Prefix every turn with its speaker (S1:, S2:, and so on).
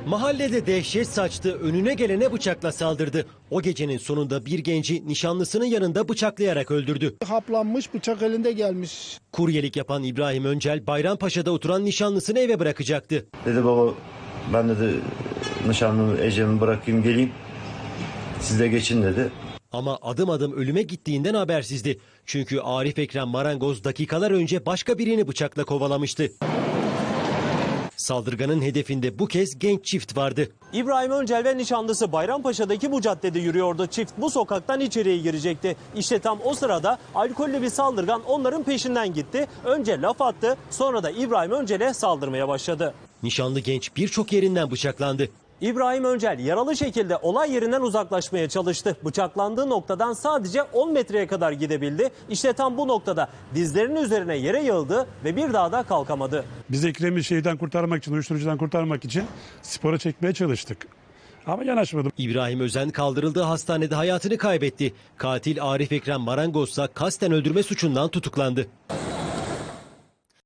S1: Mahallede dehşet saçtı, önüne gelene bıçakla saldırdı. O gecenin sonunda bir genci nişanlısının yanında bıçaklayarak öldürdü.
S2: Haplanmış, bıçak elinde gelmiş.
S1: Kuryelik yapan İbrahim Öncel, Bayrampaşa'da oturan nişanlısını eve bırakacaktı.
S3: Dedi baba ben dedi nişanlımı Ecem'i bırakayım geleyim. Siz de geçin dedi.
S1: Ama adım adım ölüme gittiğinden habersizdi. Çünkü Arif Ekrem Marangoz dakikalar önce başka birini bıçakla kovalamıştı. Saldırganın hedefinde bu kez genç çift vardı.
S4: İbrahim Öncel ve nişanlısı Bayrampaşa'daki bu caddede yürüyordu. Çift bu sokaktan içeriye girecekti. İşte tam o sırada alkollü bir saldırgan onların peşinden gitti. Önce laf attı, sonra da İbrahim Öncel'e saldırmaya başladı.
S1: Nişanlı genç birçok yerinden bıçaklandı.
S4: İbrahim Öncel yaralı şekilde olay yerinden uzaklaşmaya çalıştı. Bıçaklandığı noktadan sadece 10 metreye kadar gidebildi. İşte tam bu noktada dizlerinin üzerine yere yığıldı ve bir daha da kalkamadı.
S5: Biz Ekrem'i şeyden kurtarmak için, uyuşturucudan kurtarmak için spora çekmeye çalıştık. Ama yanaşmadı.
S1: İbrahim Özen kaldırıldığı hastanede hayatını kaybetti. Katil Arif Ekrem Marangoz ise kasten öldürme suçundan tutuklandı.